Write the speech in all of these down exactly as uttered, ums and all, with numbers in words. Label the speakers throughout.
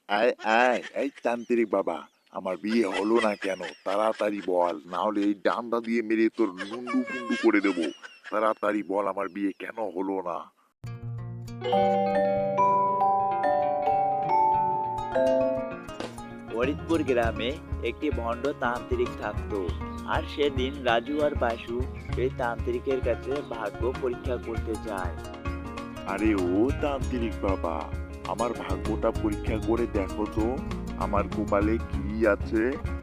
Speaker 1: আয় আয় এই তান্ত্রিক বাবা, আমার বিয়ে হলো না কেন? তাড়াতাড়ি বল, না হলে এই ডান্ডা দিয়ে মেরে তোর মুন্ডু ফুন্ডু করে দেবো। তাড়াতাড়ি বল, আমার বিয়ে কেন হলো না?
Speaker 2: ফরিদপুর গ্রামে একটি ভণ্ড তান্ত্রিক থাকতো। আর সেদিন রাজু আর বাসু সেই তান্ত্রিকের কাছে ভাগ্য পরীক্ষা করতে যায়।
Speaker 1: আরে ও তান্ত্রিক বাবা, আমার ভাগ্যটা পরীক্ষা করে দেখো তো, আমার কপালে কি আছে।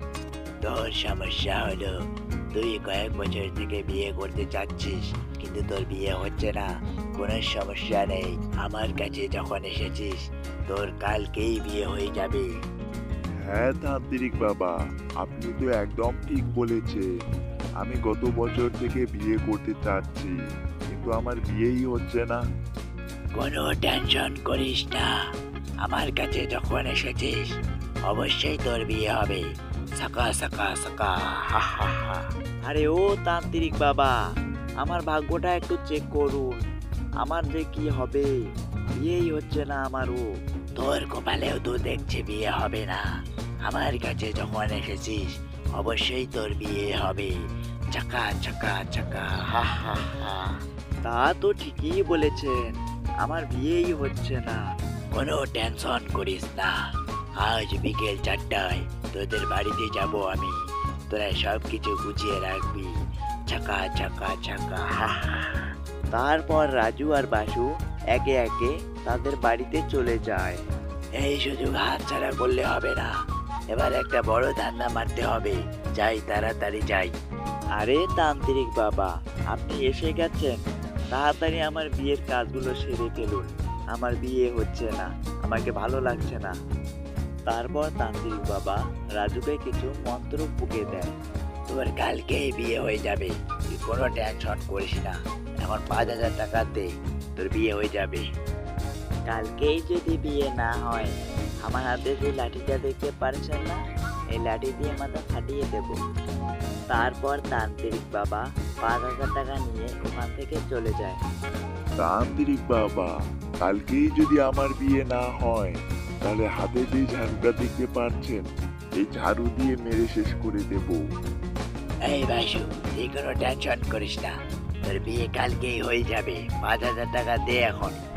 Speaker 2: তোর সমস্যা হলো তুই কয়েক বছর থেকে বিয়ে করতে চাচ্ছিস, কিন্তু তোর বিয়ে হচ্ছে না। কোনো সমস্যা নেই, আমার কাছে যখন এসেছিস তোর কালকেই বিয়ে হয়ে যাবে।
Speaker 1: হ্যাঁ তান্ত্রিক বাবা, আপনি তো একদম ঠিক বলেছেন। আমি গত বছর থেকে বিয়ে করতে চাচ্ছি, কিন্তু আমার বিয়েই হচ্ছে না।
Speaker 2: কোনো টেনশন করিস না, আমার কাছে যখন এসেছিস অবশ্যই তোর বিয়ে হবে। সাকা সাকা সাকা হা হা হা। আরে ও তান্ত্রিক বাবা, আমার ভাগ্যটা একটু চেক করুন, আমার যে কি হবে, বিয়েই হচ্ছে না আমারও। তোর কপালেও তো দেখছে বিয়ে হবে না, আমার কাছে যখন এসেছিস অবশ্যই তোর বিয়ে হবে। চাকা চাকা চাকা হা হা হা। তা তো ঠিকই বলেছেন, আমার বিয়েই হচ্ছে না। কোনো টেনশন করিস না, আজ বিকেল চারটায় তোদের বাড়িতে যাব আমি, তোরা সব কিছু গুছিয়ে রাখবি। চাকা চাকা চাকা হা হা। তারপর রাজু আর বাসু একে একে তাদের বাড়িতে চলে যায়। এই সুযোগ হাতছাড়া করলে হবে না, এবার একটা বড় ধান্দা মারতে হবে। যাই, তাড়াতাড়ি যাই। আরে তান্ত্রিক বাবা, আপনি এসে গেছেন, তাড়াতাড়ি আমার বিয়ের কাজগুলো সেরে ফেলুন। আমার বিয়ে হচ্ছে না, আমাকে ভালো লাগছে না। তারপর তান্ত্রিক বাবা রাজুকে কিছু মন্ত্র ফুঁকে দেয়। তোর কালকেই বিয়ে হয়ে যাবে, তুই কোনো টেনশন করিস না। এখন পাঁচ হাজার টাকা দে, তোর বিয়ে হয়ে যাবে। কালকেই যদি বিয়ে না হয়, আমার হাতে যে লাঠিটা দেখতে পারছেন না, এই লাঠি দিয়ে মাথা ফাটিয়ে দেব। তারপর তান্ত্রিক বাবা পাঁচ হাজার টাকা নিয়ে ওখান থেকে চলে যায়।
Speaker 1: তান্ত্রিক বাবা, কালকেই যদি আমার বিয়ে না হয়, তাহলে হাতে যে ঝাড়ুটা দেখতে পাচ্ছেন, এই ঝাড়ু দিয়ে মেরে শেষ করে দেব।
Speaker 2: এই বাসু, তুই কোনো টেনশন করিস না, তোর বিয়ে কালকেই হয়ে যাবে। পাঁচ হাজার টাকা দে এখন।